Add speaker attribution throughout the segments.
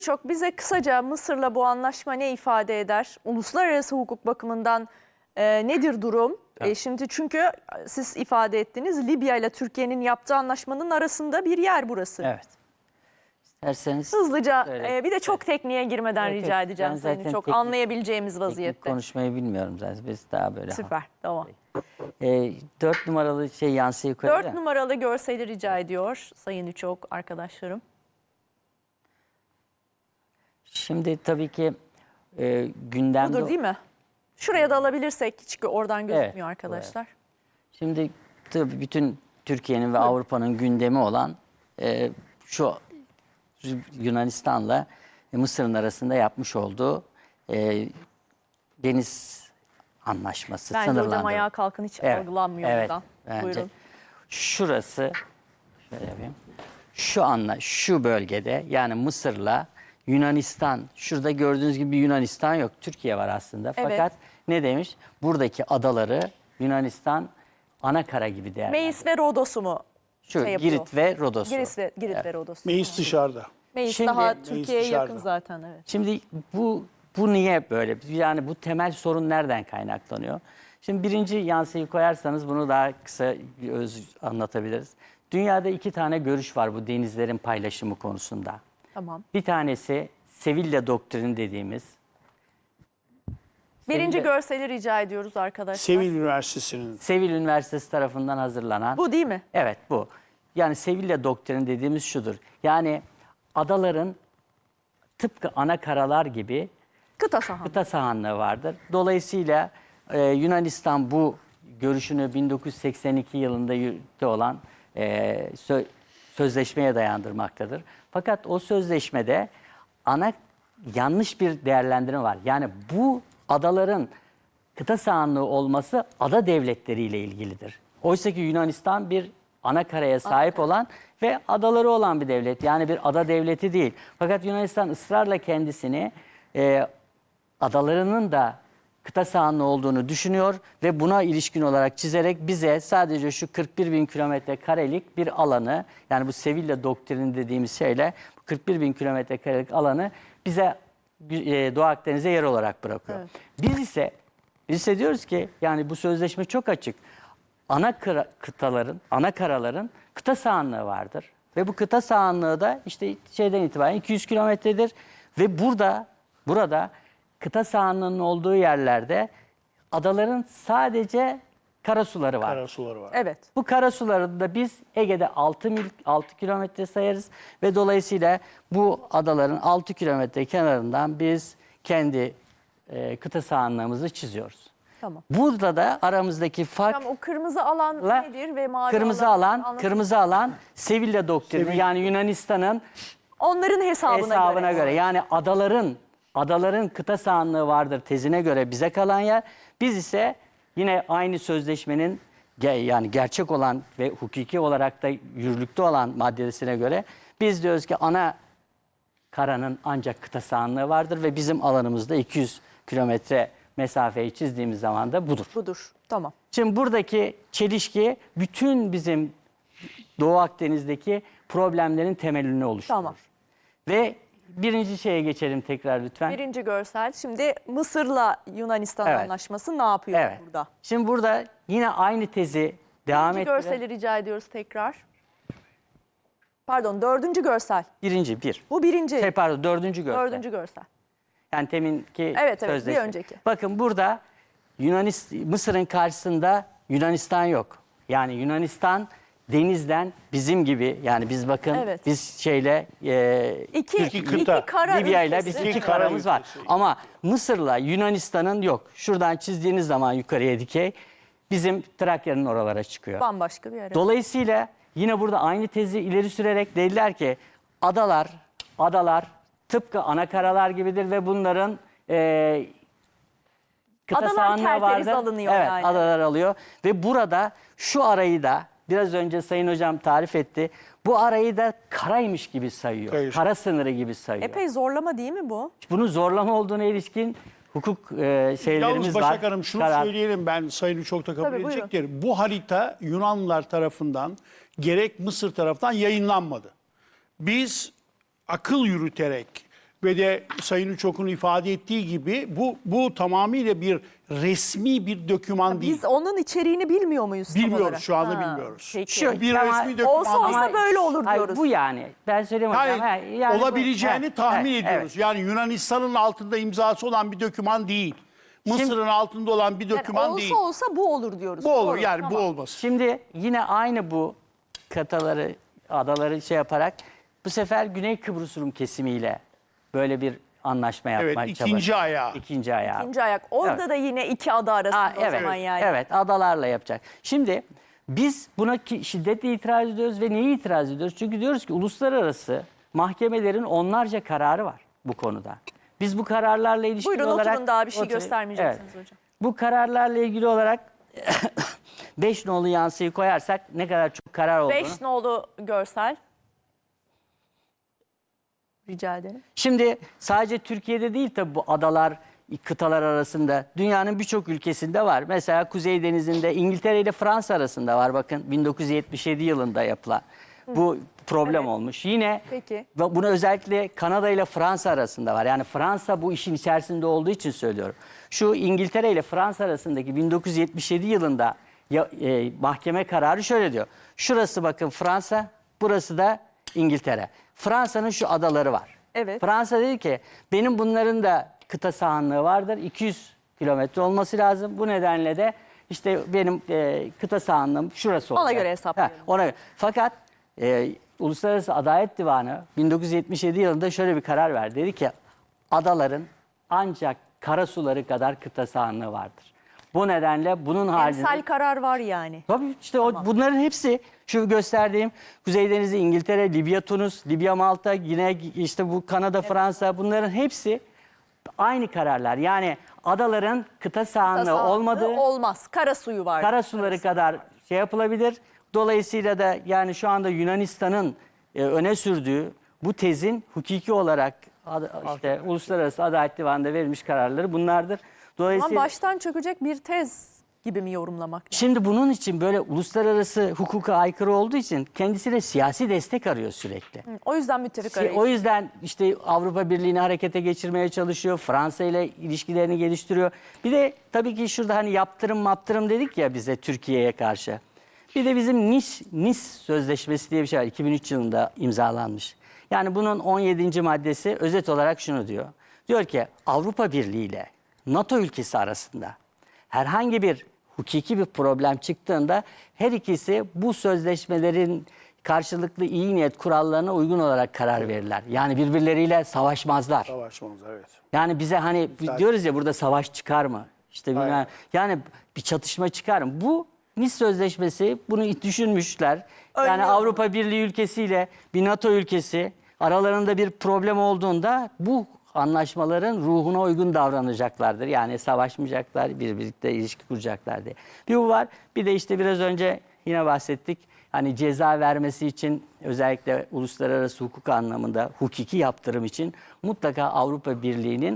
Speaker 1: Çok bize kısaca Mısır'la bu anlaşma ne ifade eder? Uluslararası hukuk bakımından nedir durum? Şimdi çünkü siz ifade ettiniz, Libya ile Türkiye'nin yaptığı anlaşmanın arasında bir yer burası.
Speaker 2: Evet. İsterseniz
Speaker 1: Hızlıca bir de çok tekniğe girmeden
Speaker 2: Evet,
Speaker 1: rica
Speaker 2: evet.
Speaker 1: edeceğim
Speaker 2: Ben
Speaker 1: seni.
Speaker 2: zaten
Speaker 1: Çok
Speaker 2: teknik-
Speaker 1: anlayabileceğimiz
Speaker 2: teknik
Speaker 1: vaziyette.
Speaker 2: konuşmayı bilmiyorum zaten. Biz daha böyle.
Speaker 1: Süper, tamam.
Speaker 2: 4 numaralı şey yansı yukarı.
Speaker 1: 4 numaralı görseli rica ediyor Sayın Üçok arkadaşlarım.
Speaker 2: Şimdi tabii ki gündemde...
Speaker 1: Budur değil mi? Şuraya da alabilirsek, çünkü oradan gözükmüyor
Speaker 2: Evet,
Speaker 1: arkadaşlar.
Speaker 2: Şimdi tabii bütün Türkiye'nin ve Avrupa'nın gündemi olan şu Yunanistan'la Mısır'ın arasında yapmış olduğu deniz anlaşması,
Speaker 1: Bence hocam
Speaker 2: sınırlandırma.
Speaker 1: ayağa kalkın, hiç
Speaker 2: Evet,
Speaker 1: algılanmıyor
Speaker 2: evet,
Speaker 1: buradan.
Speaker 2: bence.
Speaker 1: Buyurun.
Speaker 2: Şurası, şöyle yapayım. Şu bölgede, yani Mısır'la Yunanistan, şurada gördüğünüz gibi Yunanistan yok. Türkiye var aslında.
Speaker 1: Evet.
Speaker 2: Fakat ne demiş? Buradaki adaları Yunanistan ana kara gibi değerlendiriyor.
Speaker 1: Meis ve Rodos'u mu
Speaker 2: Şu
Speaker 1: şey yapıyor?
Speaker 2: Girit ve Rodos'u.
Speaker 1: Girit ve Rodos.
Speaker 3: Meis dışarıda.
Speaker 1: Meis
Speaker 2: Şimdi-
Speaker 1: daha
Speaker 2: Meis
Speaker 1: Türkiye'ye yakın
Speaker 3: dışarıda.
Speaker 1: zaten, evet.
Speaker 2: Şimdi bu niye böyle? Yani bu temel sorun nereden kaynaklanıyor? Şimdi birinci yansıyı koyarsanız bunu daha kısa anlatabiliriz. Dünyada 2 tane görüş var bu denizlerin paylaşımı konusunda.
Speaker 1: Tamam.
Speaker 2: Bir tanesi Sevilla doktrini dediğimiz.
Speaker 1: Birinci
Speaker 2: Sevilla-
Speaker 1: görseli rica ediyoruz arkadaşlar.
Speaker 3: Sevil Üniversitesi'nin.
Speaker 2: Sevilla Üniversitesi tarafından hazırlanan.
Speaker 1: Bu değil mi?
Speaker 2: Evet, bu. Yani Sevilla doktrini dediğimiz şudur. Yani adaların tıpkı ana karalar gibi
Speaker 1: Kıta sahanlığı.
Speaker 2: kıta sahanlığı vardır. Dolayısıyla Yunanistan bu görüşünü 1982 yılında yürürlükte olan sözleşmeye dayandırmaktadır. Fakat o sözleşmede yanlış bir değerlendirme var. Yani bu adaların kıta sahanlığı olması ada devletleriyle ilgilidir. Oysa ki Yunanistan bir ana karaya sahip olan ve adaları olan bir devlet. Yani bir ada devleti değil. Fakat Yunanistan ısrarla kendisini adalarının da kıta sahanlığı olduğunu düşünüyor ve buna ilişkin olarak çizerek bize sadece şu 41 bin kilometre karelik bir alanı, yani bu Sevilla doktrini dediğimiz şeyle 41 bin kilometre karelik alanı bize Doğu Akdeniz'e yer olarak bırakıyor.
Speaker 1: Evet.
Speaker 2: Biz ise diyoruz ki yani bu sözleşme çok açık. Ana karaların kıta sahanlığı vardır. Ve bu kıta sahanlığı da işte şeyden itibaren 200 kilometredir. Ve burada kıta sahanlığının olduğu yerlerde adaların sadece karasuları var.
Speaker 3: Karasuları var.
Speaker 1: Evet.
Speaker 2: Bu karasuları da biz Ege'de 6 kilometre sayarız ve dolayısıyla bu adaların 6 kilometre kenarından biz kendi kıta sahanlığımızı çiziyoruz.
Speaker 1: Tamam.
Speaker 2: Burada da aramızdaki fark
Speaker 1: Tamam, o kırmızı alan nedir ve mavi
Speaker 2: kırmızı alan Sevilla doktrini, yani Yunanistan'ın
Speaker 1: onların hesabına
Speaker 2: göre. Yani adaların kıta sahanlığı vardır tezine göre bize kalan yer. Biz ise yine aynı sözleşmenin yani gerçek olan ve hukuki olarak da yürürlükte olan maddesine göre biz diyoruz ki ana karanın ancak kıta sahanlığı vardır ve bizim alanımızda 200 kilometre mesafeyi çizdiğimiz zaman da budur.
Speaker 1: Budur. Tamam.
Speaker 2: Şimdi buradaki çelişki bütün bizim Doğu Akdeniz'deki problemlerin temelini oluşturur.
Speaker 1: Tamam.
Speaker 2: Ve birinci şeye geçelim tekrar lütfen.
Speaker 1: Birinci görsel. Şimdi Mısır'la Yunanistan
Speaker 2: Evet.
Speaker 1: anlaşması ne yapıyor
Speaker 2: Evet.
Speaker 1: burada?
Speaker 2: Şimdi burada yine aynı tezi devam
Speaker 1: Birinci
Speaker 2: ettirelim.
Speaker 1: görseli rica ediyoruz tekrar. Pardon, dördüncü görsel.
Speaker 2: Bir.
Speaker 1: Bu birinci.
Speaker 2: Pardon, dördüncü görsel.
Speaker 1: Dördüncü görsel.
Speaker 2: Yani teminki
Speaker 1: Evet, bir
Speaker 2: sözleşme.
Speaker 1: önceki.
Speaker 2: Bakın burada Mısır'ın karşısında Yunanistan yok. Yani Yunanistan denizden bizim gibi, yani biz bakın
Speaker 1: Evet.
Speaker 2: biz şeyle
Speaker 1: İki
Speaker 3: kıta.
Speaker 1: kara
Speaker 2: Libya ile
Speaker 1: ülkesi.
Speaker 2: bizim iki
Speaker 3: İki kara
Speaker 2: karamız var.
Speaker 3: ülkesi.
Speaker 2: Ama Mısır'la Yunanistan'ın yok. Şuradan çizdiğiniz zaman yukarıya dikey bizim Trakya'nın oralara çıkıyor.
Speaker 1: Bambaşka bir yer.
Speaker 2: Dolayısıyla yine burada aynı tezi ileri sürerek dediler ki adalar tıpkı ana karalar gibidir ve bunların kıta
Speaker 1: Adalar
Speaker 2: sahanlığı
Speaker 1: kerteriz
Speaker 2: vardır.
Speaker 1: alınıyor
Speaker 2: Evet,
Speaker 1: yani.
Speaker 2: adalar alıyor ve burada şu arayı da biraz önce Sayın Hocam tarif etti. Bu arayı da karaymış gibi sayıyor.
Speaker 3: Hayır.
Speaker 2: Kara sınırı gibi sayıyor.
Speaker 1: Epey zorlama değil mi bu?
Speaker 2: Bunun zorlama olduğuna ilişkin hukuk şeylerimiz
Speaker 3: Yalnız
Speaker 2: var.
Speaker 3: Başak Hanım şunu
Speaker 2: Karar-
Speaker 3: söyleyelim, ben Sayın çok da kabul
Speaker 1: Tabii, buyurun.
Speaker 3: edecektir. Bu harita Yunanlılar tarafından gerek Mısır tarafından yayınlanmadı. Biz akıl yürüterek Ve de Sayın Uçok'un ifade ettiği gibi bu tamamıyla bir resmi bir doküman değil.
Speaker 1: Biz onun içeriğini bilmiyor muyuz tam
Speaker 3: Bilmiyoruz,
Speaker 1: olarak?
Speaker 3: şu anda bilmiyoruz.
Speaker 1: Peki.
Speaker 2: Şu-
Speaker 3: Bir
Speaker 2: Ama
Speaker 3: resmi doküman
Speaker 1: olsa
Speaker 3: değil.
Speaker 1: olsa böyle olur
Speaker 2: Hayır,
Speaker 1: diyoruz.
Speaker 2: bu yani. Ben söyleyeyim hocam.
Speaker 3: Yani, olabileceğini tahmin
Speaker 2: evet,
Speaker 3: ediyoruz. Yani Yunanistan'ın altında imzası olan bir doküman değil. Mısır'ın altında olan bir
Speaker 1: Yani
Speaker 3: doküman
Speaker 1: olsa
Speaker 3: değil.
Speaker 1: olsa bu olur diyoruz.
Speaker 3: Bu olur
Speaker 1: Doğru,
Speaker 3: yani
Speaker 1: tamam.
Speaker 3: bu olmasın.
Speaker 2: Şimdi yine aynı bu adaları şey yaparak bu sefer Güney Kıbrıs Rum kesimiyle böyle bir anlaşma
Speaker 3: Evet,
Speaker 2: yapmaya
Speaker 3: ikinci ayağı.
Speaker 2: İkinci ayağı.
Speaker 1: İkinci ayak. Orada
Speaker 2: Evet.
Speaker 1: da yine iki ada arasında o
Speaker 2: Evet,
Speaker 1: zaman yani.
Speaker 2: evet, adalarla yapacak. Şimdi biz buna şiddetle itiraz ediyoruz ve neye itiraz ediyoruz? Çünkü diyoruz ki uluslararası mahkemelerin onlarca kararı var bu konuda. Biz bu kararlarla ilişkili
Speaker 1: Buyurun
Speaker 2: olarak...
Speaker 1: oturun, daha bir şey
Speaker 2: Oturun.
Speaker 1: göstermeyeceksiniz hocam.
Speaker 2: Bu kararlarla ilgili olarak 5 nolu yansıyı koyarsak ne kadar çok karar olduğunu...
Speaker 1: 5 nolu görsel. Rica ederim.
Speaker 2: Şimdi sadece Türkiye'de değil tabii bu adalar, kıtalar arasında dünyanın birçok ülkesinde var. Mesela Kuzey Denizi'nde İngiltere ile Fransa arasında var, bakın 1977 yılında yapılan. Bu problem olmuş. Yine
Speaker 1: Peki.
Speaker 2: bunu özellikle Kanada ile Fransa arasında var. Yani Fransa bu işin içerisinde olduğu için söylüyorum. Şu İngiltere ile Fransa arasındaki 1977 yılında mahkeme kararı şöyle diyor. Şurası bakın Fransa, burası da İngiltere. Fransa'nın şu adaları var.
Speaker 1: Evet.
Speaker 2: Fransa dedi ki benim bunların da kıta sahanlığı vardır. 200 kilometre olması lazım. Bu nedenle de işte benim kıta sahanlığım şurası olacak.
Speaker 1: Ona göre hesaplayalım.
Speaker 2: Ona göre. Fakat Uluslararası Adalet Divanı 1977 yılında şöyle bir karar verdi. Dedi ki adaların ancak karasuları kadar kıta sahanlığı vardır. Bu nedenle bunun haricinde...
Speaker 1: Emsal karar var yani.
Speaker 2: Tabii işte bunların hepsi şu gösterdiğim Kuzey Denizi, İngiltere, Libya, Tunus, Libya, Malta, yine işte bu Kanada, Fransa, bunların hepsi aynı kararlar. Yani adaların kıta sahanlığı
Speaker 1: Tasarruflu
Speaker 2: olmadığı,
Speaker 1: olmaz. Kara suyu var.
Speaker 2: karasuları kadar şey yapılabilir. Dolayısıyla da yani şu anda Yunanistan'ın öne sürdüğü bu tezin hukuki olarak işte Uluslararası Adalet Divanı'nda verilmiş kararları bunlardır.
Speaker 1: Ama
Speaker 2: Dolayısıyla
Speaker 1: baştan çökecek bir tez gibi mi yorumlamak lazım?
Speaker 2: şimdi bunun için böyle uluslararası hukuka aykırı olduğu için kendisine siyasi destek arıyor sürekli.
Speaker 1: O yüzden müttefik arayışı.
Speaker 2: O yüzden işte Avrupa Birliği'ni harekete geçirmeye çalışıyor. Fransa ile ilişkilerini geliştiriyor. Bir de tabii ki şurada hani yaptırım dedik ya bize Türkiye'ye karşı. Bir de bizim Nice Sözleşmesi diye bir şey var. 2003 yılında imzalanmış. Yani bunun 17. maddesi özet olarak şunu diyor. Diyor ki Avrupa Birliği ile NATO ülkesi arasında herhangi bir hukuki bir problem çıktığında her ikisi bu sözleşmelerin karşılıklı iyi niyet kurallarına uygun olarak karar verirler. Yani birbirleriyle savaşmazlar.
Speaker 3: Savaşmamız, evet.
Speaker 2: Yani bize hani diyoruz ya burada savaş çıkar mı? İşte bilmem,
Speaker 3: Aynen.
Speaker 2: yani bir çatışma çıkar mı? Bu Nice Sözleşmesi bunu düşünmüşler. Yani
Speaker 1: Önlüyor.
Speaker 2: Avrupa Birliği ülkesiyle bir NATO ülkesi aralarında bir problem olduğunda bu anlaşmaların ruhuna uygun davranacaklardır. Yani savaşmayacaklar, birlikte ilişki kuracaklar diye. Bir bu var. Bir de işte biraz önce yine bahsettik. Hani ceza vermesi için özellikle uluslararası hukuk anlamında hukuki yaptırım için mutlaka Avrupa Birliği'nin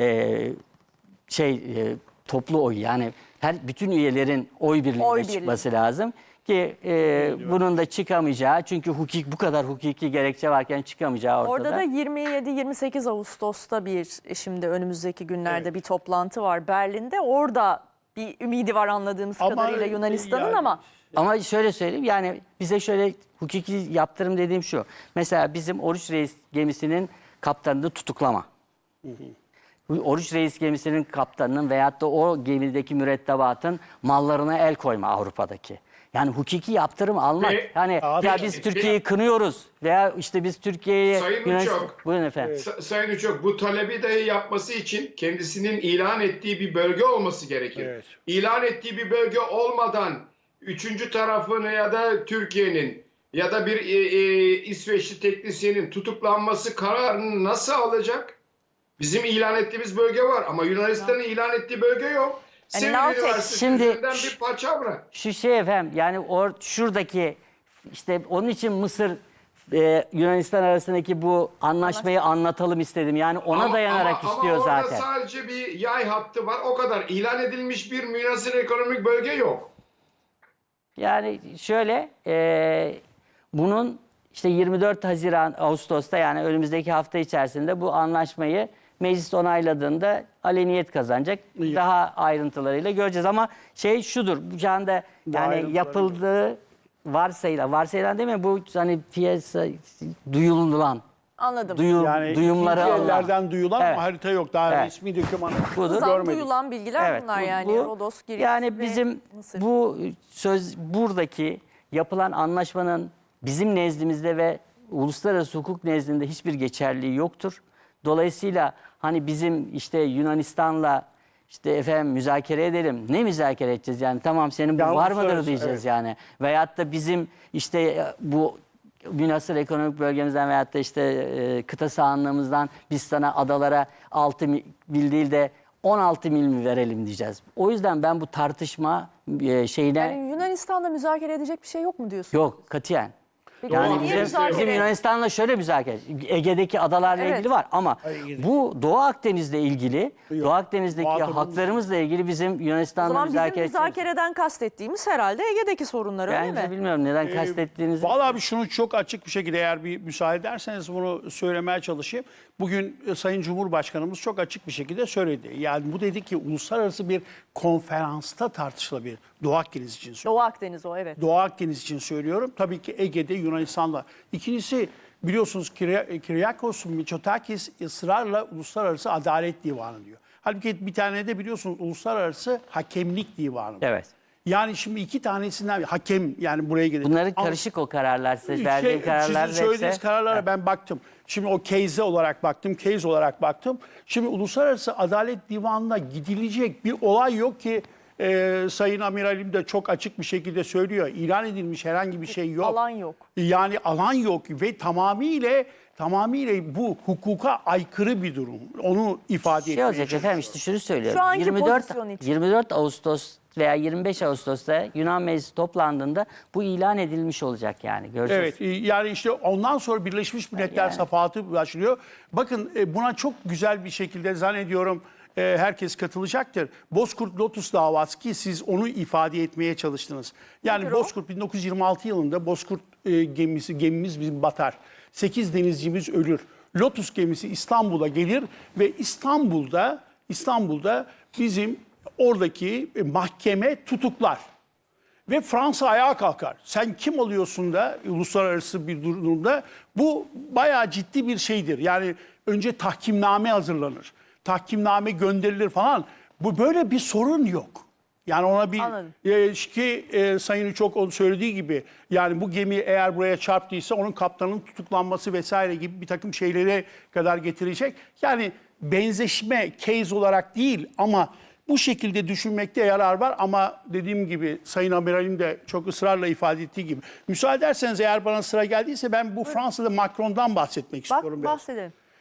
Speaker 2: toplu oy, yani bütün üyelerin oy birliğine çıkması lazım ki bunun da çıkamayacağı, çünkü bu kadar hukuki gerekçe varken çıkamayacağı ortada.
Speaker 1: Orada da 27-28 Ağustos'ta şimdi önümüzdeki günlerde bir toplantı var Berlin'de. Orada bir ümidi var anladığımız kadarıyla Yunanistan'ın
Speaker 3: yani,
Speaker 2: Ama şöyle söyleyeyim, yani bize şöyle hukuki yaptırım dediğim şu. Mesela bizim Oruç Reis gemisinin kaptanını tutuklama. Oruç Reis gemisinin kaptanının veyahut da o gemideki mürettebatın mallarına el koyma Avrupa'daki. Yani hukuki yaptırım almak. Yani ya biz Türkiye'yi kınıyoruz veya işte biz Türkiye'yi...
Speaker 4: Sayın Uçok,
Speaker 2: buyurun efendim.
Speaker 4: Sayın Uçok, bu talebi dahi yapması için kendisinin ilan ettiği bir bölge olması gerekir.
Speaker 3: Evet.
Speaker 4: İlan ettiği bir bölge olmadan üçüncü tarafın ya da Türkiye'nin ya da bir İsveçli teknisyenin tutuklanması kararını nasıl alacak? Bizim ilan ettiğimiz bölge var ama Yunanistan'ın ilan ettiği bölge yok. Sivri Üniversitesi
Speaker 2: Şimdi
Speaker 4: üzerinden bir paçavra.
Speaker 2: Şu efendim, yani şuradaki işte onun için Mısır Yunanistan arasındaki bu anlaşmayı anlatalım istedim. Yani ona dayanarak istiyor zaten.
Speaker 4: Ama orada sadece bir yay hattı var, o kadar. İlan edilmiş bir münhasır ekonomik bölge yok.
Speaker 2: Yani şöyle bunun işte 24 Haziran Ağustos'ta yani önümüzdeki hafta içerisinde bu anlaşmayı meclis onayladığında aleniyet kazanacak. Daha ayrıntılarıyla göreceğiz ama şey şudur. Bu anda yani
Speaker 3: ayrıntıları
Speaker 2: yapıldığı varsayılan değil mi? Bu hani piyasa duyulan
Speaker 1: Anladım.
Speaker 2: duyumları
Speaker 3: ikinci
Speaker 2: alınan.
Speaker 3: ellerden duyulan
Speaker 2: Evet.
Speaker 3: ama harita yok. Daha
Speaker 2: Evet.
Speaker 3: resmi dokümanı
Speaker 2: Budur.
Speaker 1: Hızdan
Speaker 3: görmedik.
Speaker 1: duyulan bilgiler
Speaker 2: Evet,
Speaker 1: bunlar yani. Rodos, Girit
Speaker 2: yani
Speaker 1: ve
Speaker 2: bizim
Speaker 1: Mısır.
Speaker 2: bu buradaki yapılan anlaşmanın bizim nezdimizde ve uluslararası hukuk nezdinde hiçbir geçerliği yoktur. Dolayısıyla hani bizim işte Yunanistan'la işte efendim müzakere edelim. Ne müzakere edeceğiz yani? Tamam senin bu
Speaker 3: Ya
Speaker 2: var mıdır
Speaker 3: uluslararası,
Speaker 2: diyeceğiz
Speaker 3: evet.
Speaker 2: yani. Veyahut da bizim işte bu münhasır ekonomik bölgemizden veyahut da işte kıta sahanlığımızdan biz sana adalara 6 mil değil de 16 mil mi verelim diyeceğiz. O yüzden ben bu tartışma şeyine
Speaker 1: Yani Yunanistan'da müzakere edecek bir şey yok mu diyorsun?
Speaker 2: yok katiyen.
Speaker 1: Peki
Speaker 2: Yani
Speaker 1: niye müzakere-
Speaker 2: bizim Yunanistan'la şöyle müzakere. Ege'deki adalarla
Speaker 1: Evet.
Speaker 2: ilgili var ama bu Doğu Akdeniz'le ilgili, Doğu Akdeniz'deki
Speaker 3: Muhatabımız-
Speaker 2: haklarımızla ilgili bizim
Speaker 1: O
Speaker 2: Yunanistan'la
Speaker 1: zaman bizim
Speaker 2: müzakere edeceğiz.
Speaker 1: müzakereden kastettiğimiz herhalde Ege'deki sorunlar öyle
Speaker 2: Bence
Speaker 1: mi?
Speaker 2: bilmiyorum neden kastettiğinizi.
Speaker 3: Vallahi bir şunu çok açık bir şekilde eğer bir müsaade ederseniz bunu söylemeye çalışayım. Bugün Sayın Cumhurbaşkanımız çok açık bir şekilde söyledi. Yani bu dedi ki uluslararası bir konferansta tartışılabilir. Doğu Akdeniz için söylüyorum.
Speaker 1: Doğu Akdeniz o evet.
Speaker 3: Doğu Akdeniz için söylüyorum. Tabii ki Ege'de Yunanistan'la. İkincisi biliyorsunuz Kyriakos Mitsotakis ısrarla Uluslararası Adalet Divanı diyor. Halbuki bir tane de biliyorsunuz Uluslararası Hakemlik Divanı.
Speaker 2: Evet.
Speaker 3: Yani şimdi iki tanesinden hakem yani buraya gelecek.
Speaker 2: Bunların
Speaker 3: Ama-
Speaker 2: karışık o kararlar. Size verdiğim kararlar
Speaker 3: Sizin söylediğiniz
Speaker 2: hepsi-
Speaker 3: kararlara ben baktım. Şimdi o case olarak baktım. Şimdi Uluslararası Adalet Divanı'na gidilecek bir olay yok ki Sayın Amiralim de çok açık bir şekilde söylüyor. İlan edilmiş herhangi bir şey yok.
Speaker 1: Alan yok.
Speaker 3: Yani alan yok ve tamamıyla bu hukuka aykırı bir durum. Onu ifade
Speaker 2: Şey
Speaker 3: etmeye
Speaker 2: olacak
Speaker 3: çalışıyorum.
Speaker 2: efendim işte şunu söylüyorum.
Speaker 1: Şu anki pozisyon için.
Speaker 2: 24 Ağustos veya 25 Ağustos'ta Yunan Meclisi toplandığında bu ilan edilmiş olacak yani. Göreceğiz.
Speaker 3: Evet yani işte ondan sonra Birleşmiş Milletler
Speaker 2: Yani.
Speaker 3: Safahatı başlıyor. Bakın buna çok güzel bir şekilde zannediyorum herkes katılacaktır. Bozkurt Lotus davası ki siz onu ifade etmeye çalıştınız. Yani
Speaker 1: Nedir o?
Speaker 3: Bozkurt 1926 yılında Bozkurt gemimiz bizim batar. 8 denizcimiz ölür. Lotus gemisi İstanbul'a gelir ve İstanbul'da bizim oradaki mahkeme tutuklar. Ve Fransa ayağa kalkar. Sen kim oluyorsun da uluslararası bir durumda? Bu bayağı ciddi bir şeydir. Yani önce tahkimname hazırlanır. Tahkimname gönderilir falan. Bu böyle bir sorun yok. Yani ona bir
Speaker 1: Anladım.
Speaker 3: Sayın Uçok onun söylediği gibi yani bu gemi eğer buraya çarptıysa onun kaptanının tutuklanması vesaire gibi bir takım şeylere kadar getirecek. Yani benzeşme case olarak değil ama bu şekilde düşünmekte yarar var ama dediğim gibi Sayın Amiralim de çok ısrarla ifade ettiği gibi. Müsaade ederseniz eğer bana sıra geldiyse ben bu Fransa'da Macron'dan bahsetmek istiyorum. biraz.
Speaker 1: Bahsedelim.